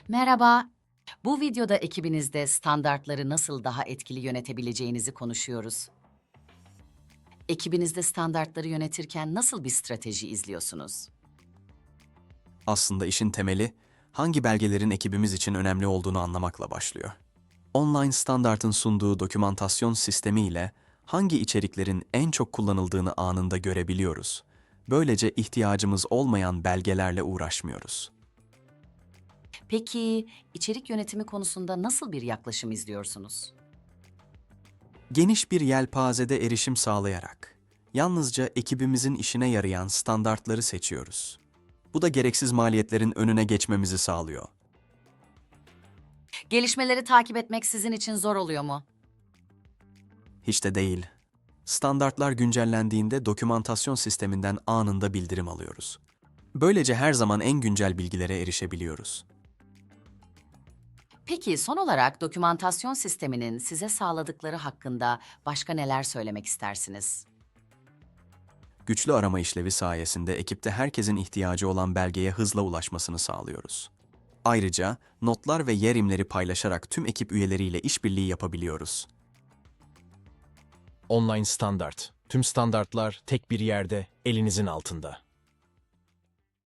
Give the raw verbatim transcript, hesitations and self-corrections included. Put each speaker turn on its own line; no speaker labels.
Merhaba. Bu videoda ekibinizde standartları nasıl daha etkili yönetebileceğinizi konuşuyoruz. Ekibinizde standartları yönetirken nasıl bir strateji izliyorsunuz?
Aslında işin temeli, hangi belgelerin ekibimiz için önemli olduğunu anlamakla başlıyor. Online Standart'ın sunduğu dokümantasyon sistemi ile hangi içeriklerin en çok kullanıldığını anında görebiliyoruz. Böylece ihtiyacımız olmayan belgelerle uğraşmıyoruz.
Peki içerik yönetimi konusunda nasıl bir yaklaşım izliyorsunuz?
Geniş bir yelpazede erişim sağlayarak, yalnızca ekibimizin işine yarayan standartları seçiyoruz. Bu da gereksiz maliyetlerin önüne geçmemizi sağlıyor.
Gelişmeleri takip etmek sizin için zor oluyor mu?
Hiç de değil. Standartlar güncellendiğinde dokümantasyon sisteminden anında bildirim alıyoruz. Böylece her zaman en güncel bilgilere erişebiliyoruz.
Peki son olarak dokümantasyon sisteminin size sağladıkları hakkında başka neler söylemek istersiniz?
Güçlü arama işlevi sayesinde ekipte herkesin ihtiyacı olan belgeye hızla ulaşmasını sağlıyoruz. Ayrıca notlar ve yer imleri paylaşarak tüm ekip üyeleriyle işbirliği yapabiliyoruz.
Online standart. Tüm standartlar tek bir yerde, elinizin altında.